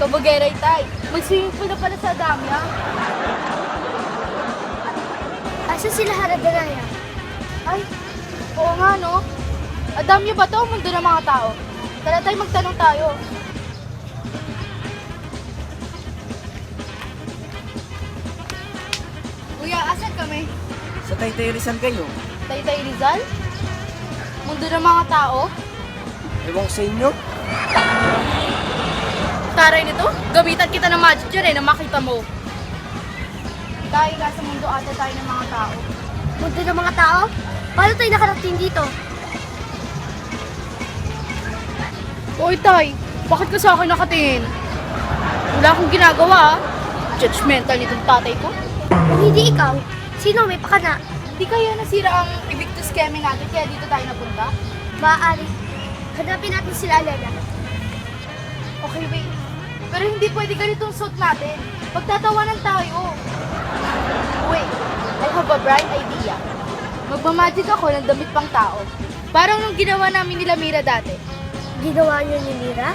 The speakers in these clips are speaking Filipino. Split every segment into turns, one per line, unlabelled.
Kabugera, Itay. Mag-swimming pool na pala sa Adamya.
Asa sila Haradaraya?
Ay, oo nga, no? Adamya ba to o mundo ng mga tao? Tara tayo, magtanong tayo. Kuya, asan kami?
Sa Taytay Rizal kayo.
Taytay Rizal? Mundo ng mga tao?
Ewan ko sa inyo.
Taray nito, gamitan kita ng magic dyan na makita mo. Dahil nasa mundo ata tayo ng mga tao.
Mundo ng mga tao? Paano tayo nakarating dito?
Hoy, Tay, bakit ka sa akin nakatingin? Wala akong ginagawa, ah. Judgmental nitong tatay ko.
Kung hindi ikaw, sino may pakana?
Di kaya nasira ang evictus keme natin kaya dito tayo napunta?
Maaari. Hanapin natin sila Alena.
Okay, wait. Pero hindi pwede ganitong suit natin. Pagtatawanan tayo. Wait, I have a bright idea. Magmamagic ako ng damit pang tao. Parang nung ginawa namin nila Mira dati.
Ginawa niyo ni Mira?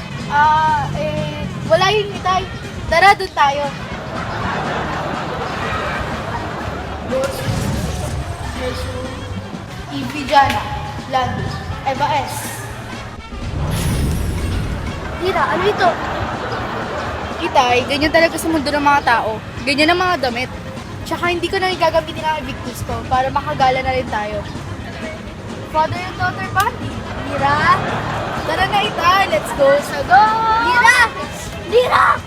Wala yun, Itay. Tara, doon tayo. Evie Jana, Landis, Eva S.
Mira, ano ito?
Itay, ganyan talaga sa mundo ng mga tao. Ganyan ang mga damit. Tsaka hindi ko na gagamitin ang evictus ko para makagala na rin tayo. Father and daughter party.
Mira?
Tara na, Itay. Let's go sa go!
Mira! Mira!